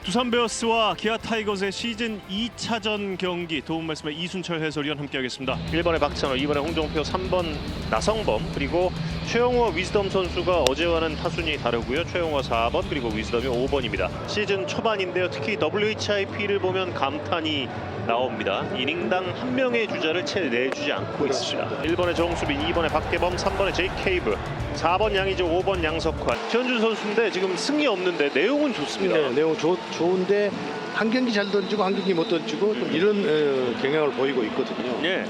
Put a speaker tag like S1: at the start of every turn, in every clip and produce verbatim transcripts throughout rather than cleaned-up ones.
S1: 두산 베어스와 기아 타이거즈의 시즌 이 차전 경기 도움 말씀에 이순철 해설위원 함께하겠습니다.
S2: 일 번에 박찬호, 이 번에 홍종표, 삼 번 나성범, 그리고 최용호와 위즈덤 선수가 어제와는 타순이 다르고요. 최용호 사 번 그리고 위즈덤이 오 번입니다. 시즌 초반인데요. 특히 더블유에이치아이피를 보면 감탄이 나옵니다. 이닝당 한 명의 주자를 채 내주지 않고 있습니다. 일 번에 정수빈, 이 번에 박계범, 삼 번에 제이 케이브, 사 번 양의조, 오 번 양석환. 최현준 선수인데 지금 승이 없는데 내용은 좋습니다.
S3: 네, 내용 좋, 좋은데 한 경기 잘 던지고 한 경기 못 던지고 좀 이런 어, 경향을 보이고 있거든요.
S2: 예.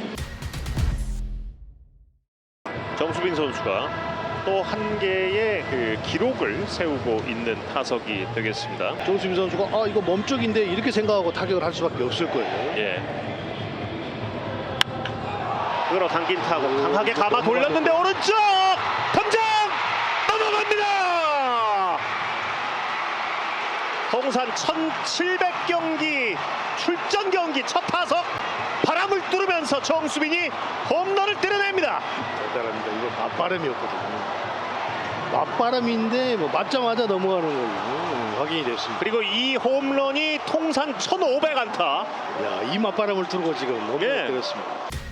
S2: 정수빈 선수가 또 한 개의 그 기록을 세우고 있는 타석이 되겠습니다.
S3: 정수빈 선수가 아 이거 몸쪽인데 이렇게 생각하고 타격을 할 수밖에 없을 거예요.
S2: 예. 끌어당긴 타구 강하게 감아 돌렸는데 오른쪽 덤장 넘어갑니다. 통산 천칠백 경기 출전 경기 첫 타석 바람을 뚫으면서 정수빈이 홈런을 때려냅니다.
S3: 대단합니다. 이거 맞바람이었거든요. 맞바람인데 뭐 맞자마자 넘어가는 걸로 음, 확인이 됐습니다.
S2: 그리고 이 홈런이 통산 천오백 안타.
S3: 야, 이 맞바람을 뚫고 지금 홈런을
S2: 예.
S3: 때렸습니다.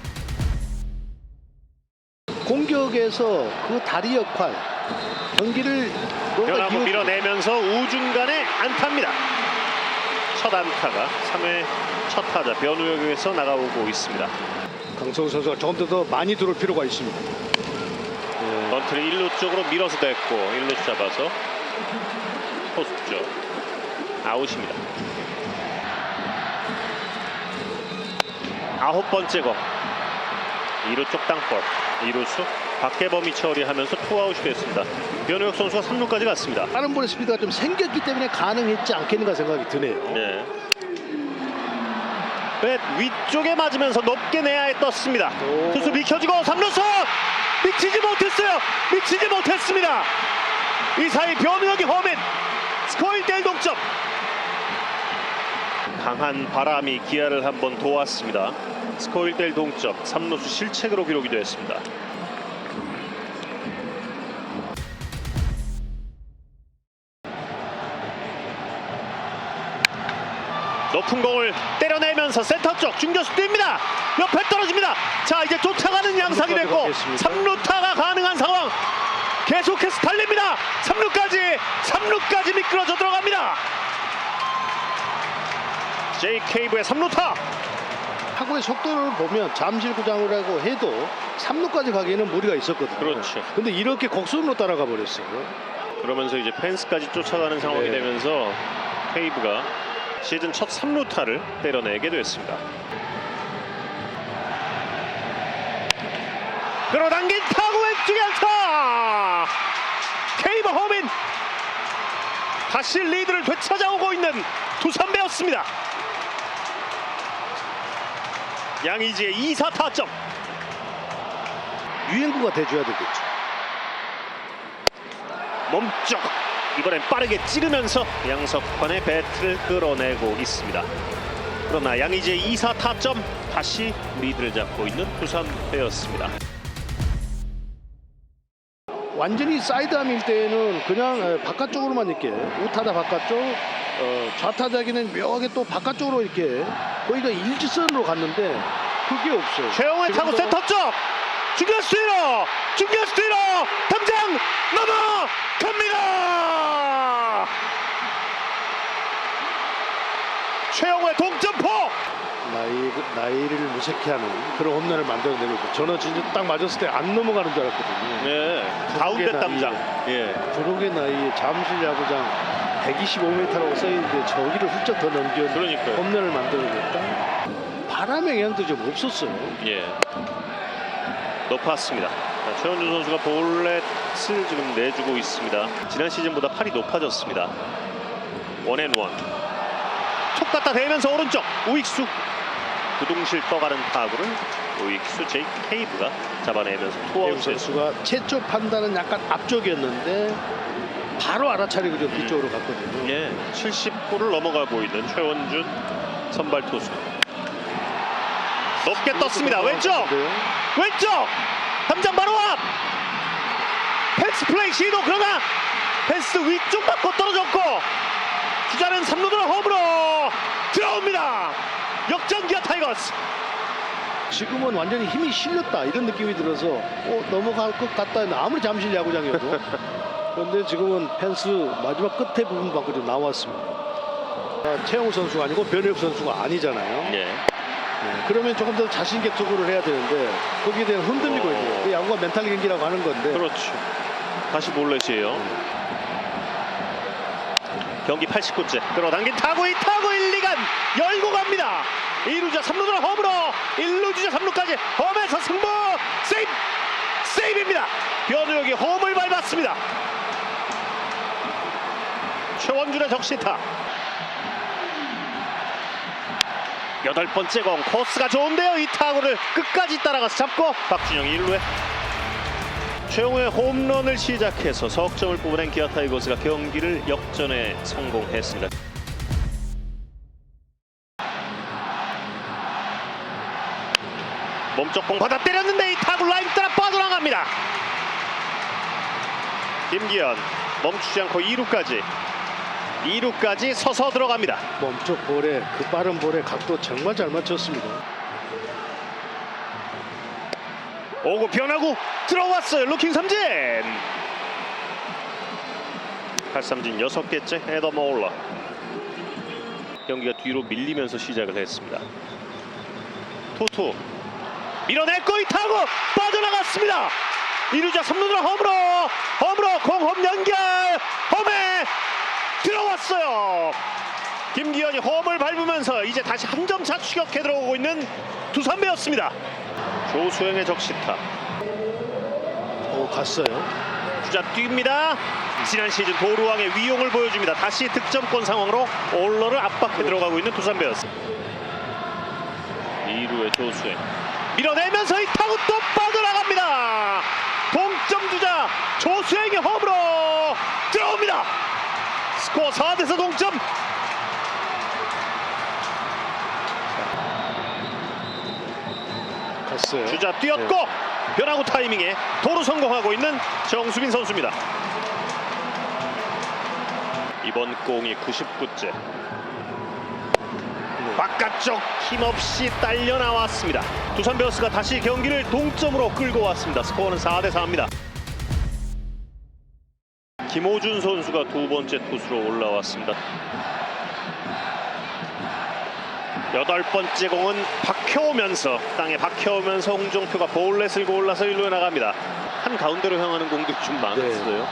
S3: 공격에서 그 다리 역할 경기를
S2: 변화구 밀어내면서 우중간에 안타입니다. 첫 안타가 삼 회 첫 타자 변우혁에서 나가오고 있습니다.
S3: 강성우 선수가 조금 더 많이 들어올 필요가 있습니다. 네.
S2: 번트를 일 루 쪽으로 밀어서 됐고 일 루 잡아서 포수 쪽 아웃입니다. 아홉 번째 공 이 루 쪽 땅볼 이 루수 박계범이 처리하면서 투아웃이 됐습니다. 변우혁 선수가 삼 루까지 갔습니다.
S3: 빠른 볼의 스피드가 좀 생겼기 때문에 가능했지 않겠는가 생각이 드네요.
S2: 네. 뱃 위쪽에 맞으면서 높게 내야에 떴습니다.
S3: 오.
S2: 투수 비켜주고 삼 루수 미치지 못했어요. 미치지 못했습니다. 이 사이 변우혁이 홈인 스코어 일 대 일 동점. 강한 바람이 기아를 한번 도왔습니다. 스코어 일 대 일 동점. 삼 루수 실책으로 기록이 되었습니다. 높은 공을 때려내면서 센터 쪽 중견수 뜁니다. 옆에 떨어집니다. 자, 이제 쫓아가는 양상이 됐고 삼 루타가 가능한 상황. 계속해서 달립니다. 삼 루까지 삼 루까지 미끄러져 들어갑니다. 제이 케이브의 삼 루타.
S3: 타구의 속도를 보면 잠실구장이라고 해도 삼 루까지 가기에는 무리가 있었거든요.
S2: 그렇죠.
S3: 근데 이렇게 곡선으로 따라가 버렸어요.
S2: 그러면서 이제 펜스까지 쫓아가는 상황이
S3: 네.
S2: 되면서 케이브가 시즌 첫 삼 루타를 때려내게 됐습니다. 끌어당긴 타구 왼쪽에 안타. 케이브 홈인. 다시 리드를 되찾아오고 있는 두산 베어스입니다. 양의지의 이 사 타점.
S3: 유행구가 돼줘야 되겠죠.
S2: 몸쪽 이번엔 빠르게 찌르면서 양석환의 배트를 끌어내고 있습니다. 그러나 양의지의 이 사 타점 다시 리드를 잡고 있는 두산 베어스입니다.
S3: 완전히 사이드암일 때는 그냥 바깥쪽으로만 이렇게 우타자 바깥쪽, 어, 좌타자기는 묘하게 또 바깥쪽으로 이렇게 거의가 일직선으로 갔는데 그게 없어요.
S2: 최영호의 타구 센터 쪽 중견수 뒤로 중견수 뒤로 당장 넘어갑니다. 최영호의 동점포.
S3: 나이, 나이를 무색해하는 그런 홈런을 만들어내고 있고 저는 진짜 딱 맞았을 때 안 넘어가는 줄 알았거든요.
S2: 네, 가운데 담장. 예.
S3: 부록의 나이에 잠실 야구장 백이십오 미터라고 써있는데 저기를 훌쩍 더 넘겨
S2: 그러니까요.
S3: 홈런을 만들어냈다. 바람의 영향도 좀 없었어요.
S2: 예. 높았습니다. 자, 최원준 선수가 볼넷을 지금 내주고 있습니다. 지난 시즌보다 팔이 높아졌습니다. 원앤원. 툭 갖다 대면서 오른쪽 우익수. 두둥실 떠가는 타구를 우익수 제이 케이브가 잡아내면서 투아웃
S3: 선수가 최초 판단은 약간 앞쪽이었는데 바로 알아차리고 좀 뒤쪽으로 갔거든요.
S2: 예, 칠십 구를 넘어가고 있는 최원준 선발 투수. 높게 떴습니다. 왼쪽 왼쪽 담장 바로 앞. 펜스 플레이 시도. 그러나 펜스 위쪽 맞고 떨어졌고 주자는 삼 루로 홈. 타이거스.
S3: 지금은 완전히 힘이 실렸다 이런 느낌이 들어서 어, 넘어갈 것 같다 했는데 아무리 잠실 야구장이어도 그런데 지금은 펜스 마지막 끝에 부분밖에 좀 나왔습니다. 아, 최영우 선수가 아니고 변혁 선수가 아니잖아요.
S2: 예.
S3: 네, 그러면 조금 더 자신있게 투구를 해야 되는데 거기에 대한 흔들리고
S2: 어.
S3: 있는 그 야구가 멘탈 경기라고 하는 건데
S2: 그렇죠. 다시 볼넷이에요. 경기 팔십구 째 끌어당긴 타구, 이 타구 일, 이간 열고 갑니다. 이 루자 삼 루로 홈으로, 일 루 주자 삼 루까지 홈에서 승부. 세이브! 세이브입니다. 변우혁이 홈을 밟았습니다. 최원준의 적시타. 여덟 번째 공, 코스가 좋은데요. 이 타구를 끝까지 따라가서 잡고 박준영이 일 루에 최용우의 홈런을 시작해서 석점을 뽑아낸 기아 타이거스가 경기를 역전에 성공했습니다. 몸쪽 공 받아 때렸는데 이 타구 라인 따라 빠져나갑니다. 김기현 멈추지 않고 이 루까지 이 루까지 서서 들어갑니다.
S3: 멈쪽 볼에 그 빠른 볼에 각도 정말 잘 맞췄습니다.
S2: 오구 변하고 들어왔어요. 루킹 삼진. 팔삼진 여섯 개째 에더 모울러. 경기가 뒤로 밀리면서 시작을 했습니다. 투투 밀어냈고 이 타구 빠져나갔습니다. 이 루자 삼 루로 홈으로 홈으로 공홈 연결 홈에 들어왔어요. 김기현이 홈을 밟으면서 이제 다시 한 점 차 추격해 들어오고 있는 두산베어스입니다. 조수영의 적시타.
S3: 오, 갔어요.
S2: 주자 뜁니다. 지난 시즌 도루왕의 위용을 보여줍니다. 다시 득점권 상황으로 올러를 압박해 들어가고 있는 두산베어스. 이 루의 조수영 밀어내면서 이 타구 또 빠져나갑니다. 동점 주자 조수영이 홈으로 들어옵니다. 스코어 사 대 사 동점.
S3: 갔어요.
S2: 주자 뛰었고
S3: 네.
S2: 변화구 타이밍에 도루 성공하고 있는 정수빈 선수입니다. 이번 공이 구십구 째.
S3: 네.
S2: 바깥쪽 힘없이 딸려 나왔습니다. 두산 베어스가 다시 경기를 동점으로 끌고 왔습니다. 스코어는 사 대 사입니다. 김호준 선수가 두 번째 투수로 올라왔습니다. 여덟 번째 공은 박혀오면서 땅에 박혀오면서 홍종표가 볼넷을 골라서 일 루에 나갑니다. 한 가운데로 향하는 공들이 좀 많았어요.
S3: 네.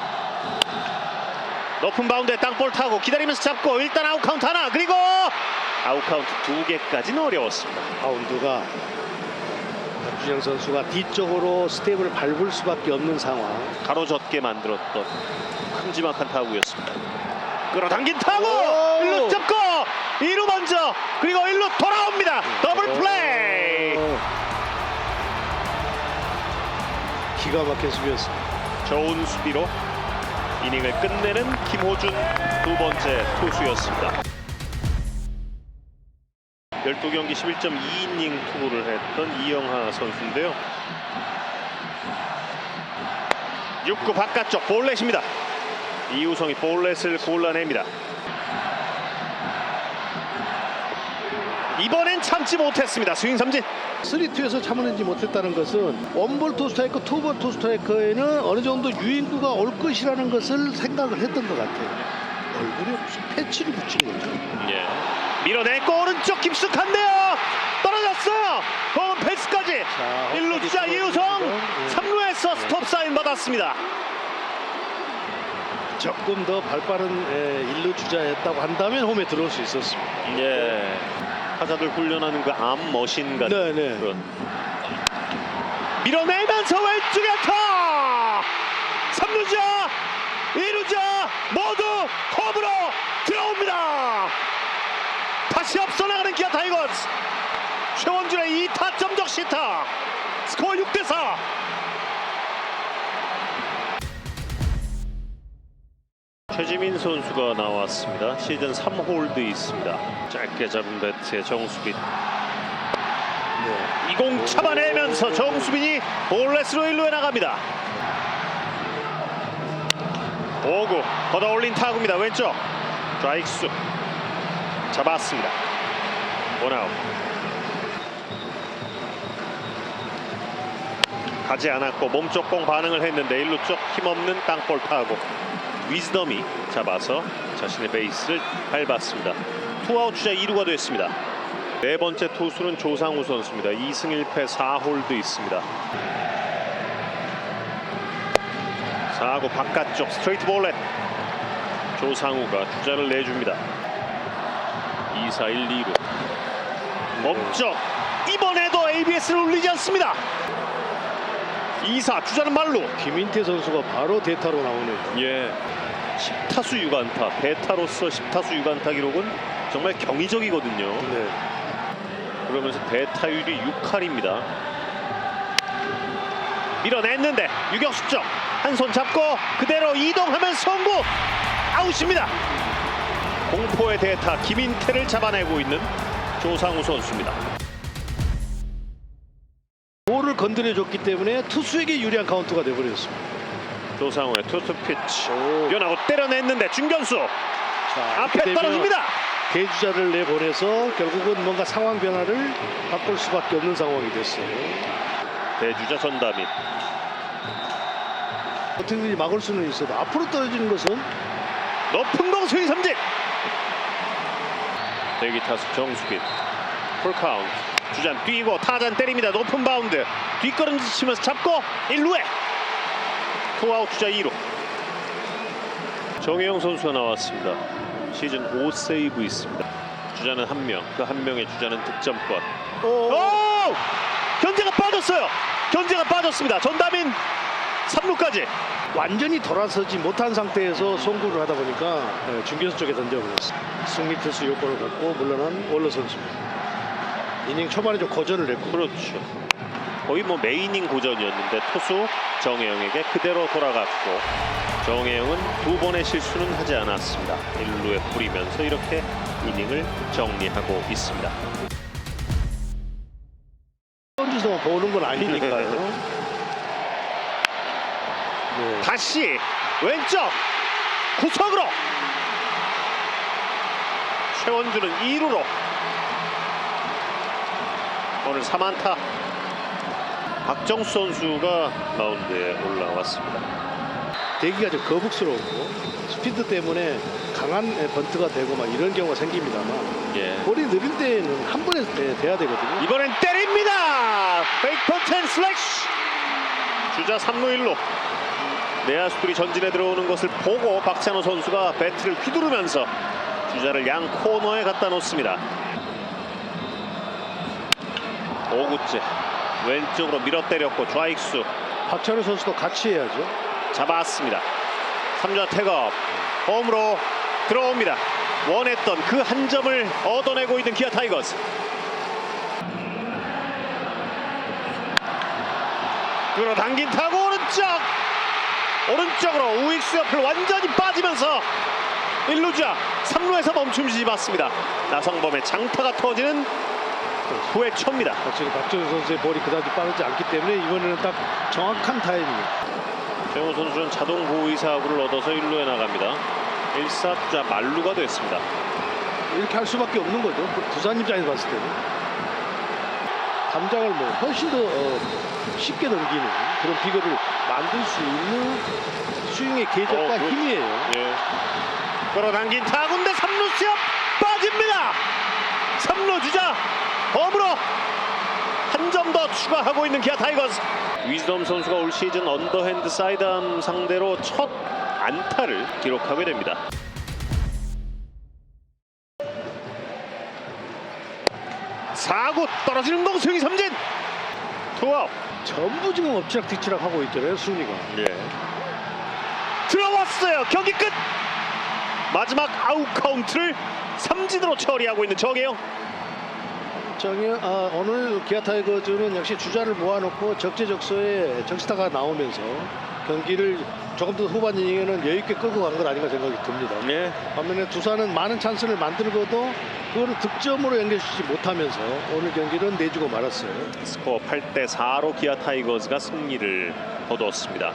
S2: 높은 바운드에 땅볼 타고 기다리면서 잡고 일단 아웃 카운트 하나, 그리고 아웃 카운트 두 개까지는 어려웠습니다.
S3: 바운드가 박준영 선수가 뒤쪽으로 스텝을 밟을 수밖에 없는 상황.
S2: 가로젓게 만들었던 큼지막한 타구였습니다. 끌어당긴 타구
S3: 오!
S2: 일 루 잡고 이 루 먼저, 그리고 일 루 돌아옵니다. 더블 플레이.
S3: 오. 기가 막힌 수비였습니다.
S2: 좋은 수비로 이닝을 끝내는 김호준 두 번째 투수였습니다. 열두 경기 십일 점 이 이닝 투구를 했던 이영하 선수인데요. 육 구 바깥쪽 볼넷입니다. 이우성이 볼넷을 골라냅니다. 이번엔 참지 못했습니다. 스윙 삼진.
S3: 쓰리 투에서 참아내지 못했다는 것은 원볼 투 스트라이크, 투볼 투 스트라이크에는 어느 정도 유인구가 올 것이라는 것을 생각을 했던 것 같아요. 얼굴에 무슨 패치를 붙인 거죠.
S2: 예. 밀어내고 오른쪽 깊숙한데요. 떨어졌어요. 공은 펜스까지.
S3: 자,
S2: 일 루 주자 이우성
S3: 예.
S2: 삼 루에서 스톱 사인 받았습니다.
S3: 조금 더 발빠른 일 루 주자였다고 한다면 홈에 들어올 수 있었습니다.
S2: 예. 타자들 훈련하는 그 암 머신 같은
S3: 네네.
S2: 그런. 밀어내면서 왼쪽에 타. 삼 루자 이 루자 모두 홈으로 들어옵니다. 다시 앞서 나가는 기아 타이거스. 최원준의 이 타점 적시타. 스코어 육 대 사. 최지민 선수가 나왔습니다. 시즌 삼 홀드 있습니다. 짧게 잡은 배트의 정수빈.
S3: 네.
S2: 이 공 잡아내면서 정수빈이 볼넷으로 일 루에 나갑니다. 오 구 걷어 올린 타구입니다. 왼쪽 좌익수 잡았습니다. 원아웃. 가지 않았고 몸쪽 공 반응을 했는데 일 루 쪽 힘없는 땅볼 타고 위즈덤이 잡아서 자신의 베이스를 밟았습니다. 투아웃 주자 이 루가 됐습니다. 네 번째 투수는 조상우 선수입니다. 이 승 일 패 사 홀드 있습니다. 사 구 바깥쪽 스트레이트 볼넷. 조상우가 주자를 내줍니다. 이 사 일 이 루 몸쪽 이번에도 에이비에스를 울리지 않습니다. 이 사 주자는 말루.
S3: 김인태 선수가 바로 대타로 나오네요.
S2: 예, 십 타수 육 안타. 대타로서 십 타수 육 안타 기록은 정말 경이적이거든요.
S3: 네.
S2: 그러면서 대타율이 육 할입니다. 밀어냈는데 유격수 쪽 한 손 잡고 그대로 이동하면 송구. 아웃입니다. 공포의 대타 김인태를 잡아내고 있는 조상우 선수입니다.
S3: 볼을 건드려줬기 때문에 투수에게 유리한 카운트가 돼버렸습니다.
S2: 조상우의 투투 피치.
S3: 오.
S2: 변하고 때려냈는데 중견수
S3: 자,
S2: 앞에
S3: 이렇게
S2: 떨어집니다.
S3: 대주자를 내보내서 결국은 뭔가 상황 변화를 바꿀 수밖에 없는 상황이 됐어요.
S2: 대주자 전담인.
S3: 어떻게든지 막을 수는 있어도 앞으로 떨어지는 것은
S2: 높은 공 스윙 삼진. 대기 타수 정수빈. 풀카운트. 주잔 뛰고 타잔 때립니다. 높은 바운드. 뒷걸음질 치면서 잡고 일 루에 투아웃 주자 이 루. 정혜영 선수가 나왔습니다. 시즌 오 세이브 있습니다. 주자는 한 명. 그 한 명의 주자는 득점권.
S3: 오,
S2: 오! 견제가 빠졌어요. 견제가 빠졌습니다. 전담인 삼 루까지.
S3: 완전히 돌아서지 못한 상태에서 송구를 하다 보니까 네, 중견수 쪽에 던져버렸어요. 승리 투수 요건을 갖고 물러난 월러 선수입니다. 이닝 초반에 좀 고전을 했고.
S2: 그렇죠. 거의 뭐 메이닝 고전이었는데 투수 정혜영에게 그대로 돌아갔고 정혜영은 두 번의 실수는 하지 않았습니다. 일 루에 뿌리면서 이렇게 이닝을 정리하고 있습니다.
S3: 던지서만 보는 건 아니니까요. 네.
S2: 다시 왼쪽 구석으로 최원주는 이 루로 오늘 삼 안타. 박정수 선수가 마운드에 올라왔습니다.
S3: 대기가 좀 거북스러웠고 스피드 때문에 강한 번트가 되고 막 이런 경우가 생깁니다만
S2: 예.
S3: 볼이 느릴 때는 한 번에 돼- 돼야 되거든요.
S2: 이번엔 때립니다. 백펀텐 슬래시. 주자 삼 루 일 루. 내야수들이 전진에 들어오는 것을 보고 박찬호 선수가 배트를 휘두르면서 주자를 양 코너에 갖다 놓습니다. 오 구째 왼쪽으로 밀어 때렸고 좌익수
S3: 박찬호 선수도 같이 해야죠.
S2: 잡았습니다. 삼 자 태업 홈으로 들어옵니다. 원했던 그 한 점을 얻어내고 있는 기아 타이거스. 끌어당긴 타고 오른쪽 오른쪽으로 우익수 옆을 완전히 빠지면서 일 루자 삼 루에서 멈춤지지 맞습니다. 나성범의 장타가 터지는 후회 초입니다.
S3: 확실히 박정우 선수의 볼이 그다지 빠르지 않기 때문에 이번에는 딱 정확한 타이밍.
S2: 최영호 선수는 자동 보호의 사구를 얻어서 일 루에 나갑니다. 일 사 주자 만루가 됐습니다.
S3: 이렇게 할 수밖에 없는 거죠. 그 부산 입장에서 봤을 때는 담장을 뭐 훨씬 더 어, 쉽게 넘기는 그런 비거를 만들 수 있는 스윙의 궤적과
S2: 어, 그-
S3: 힘이에요.
S2: 예. 끌어당긴 타구인데 삼 루 시합 빠집니다. 삼 루 주자 홈으로 한 점 더 추가하고 있는 기아 타이거스. 위즈덤 선수가 올 시즌 언더핸드 사이드암 상대로 첫 안타를 기록하게 됩니다. 사 구 떨어지는 공 스윙 삼진. 투아웃.
S3: 전부 지금 엎치락뒤치락 하고 있잖아요. 순위가.
S2: 예. 들어왔어요. 경기 끝. 마지막 아웃 카운트를 삼진으로 처리하고 있는 정혜영.
S3: 정현, 아, 오늘 기아 타이거즈는 역시 주자를 모아놓고 적재적소에 적시타가 나오면서 경기를 조금 더 후반 이닝에는 여유 있게 끌고 간 것 아닌가 생각이 듭니다.
S2: 예.
S3: 반면에 두산은 많은 찬스를 만들고도 그거를 득점으로 연결시키지 못하면서 오늘 경기는 내주고 말았어요.
S2: 스코어 팔 대 사로 기아 타이거즈가 승리를 거두었습니다.